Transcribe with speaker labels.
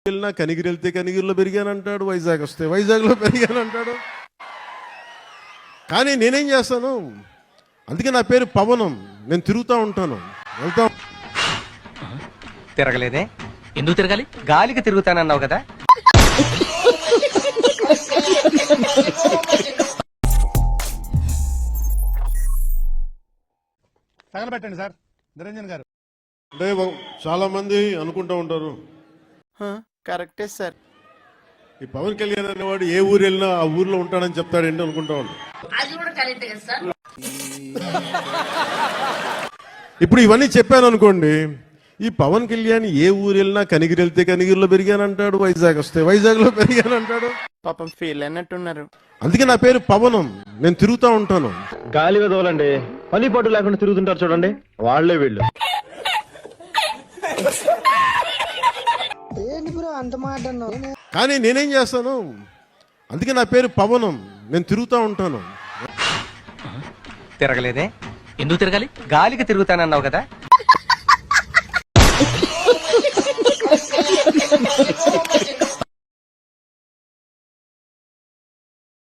Speaker 1: వెళ్ళినా కనిగిరి వెళ్తే కనిగిరిలో పెరిగానంటాడు, వైజాగ్ వస్తే వైజాగ్లో పెరిగానంటాడు. కానీ నేనేం చేస్తాను, అందుకే నా పేరు పవనం. నేను తిరుగుతూ ఉంటాను, వెళ్తా.
Speaker 2: తిరగలేదే?
Speaker 3: ఎందుకు తిరగాలి?
Speaker 2: గాలికి తిరుగుతానన్నావు కదా.
Speaker 4: తగలబెట్టండి సార్ నిరంజన్ గారు.
Speaker 1: అంటే చాలా మంది అనుకుంటూ ఉంటారు,
Speaker 5: కరెక్టే సార్.
Speaker 1: ఈ పవన్ కళ్యాణ్ అనేవాడు ఏ ఊరు వెళ్ళినా ఆ ఊర్లో ఉంటాడని చెప్తాడు ఏంటి అనుకుంటా ఉంటాడు. ఇప్పుడు ఇవన్నీ చెప్పాను అనుకోండి, ఈ పవన్ కళ్యాణ్ ఏ ఊరు వెళ్ళినా కనిగిరి వెళ్తే కనిగిరిలో పెరిగానంటాడు, వైజాగ్ వస్తే వైజాగ్లో పెరిగానంటాడు.
Speaker 5: పాపం ఫీల్ అయినట్టున్నారు.
Speaker 1: అందుకే నా పేరు పవనం. నేను తిరుగుతూ ఉంటాను.
Speaker 6: గాలి వదలండి, పని పాటు లేకుండా తిరుగుతుంటారు చూడండి, వాళ్లే వీళ్ళు.
Speaker 1: కానీ నేనేం చేస్తాను, అందుకే నా పేరు పవనం. నేను తిరుగుతూ ఉంటాను.
Speaker 2: తిరగలేదే?
Speaker 3: ఎందుకు తిరగాలి?
Speaker 2: గాలికి తిరుగుతానన్నావు కదా.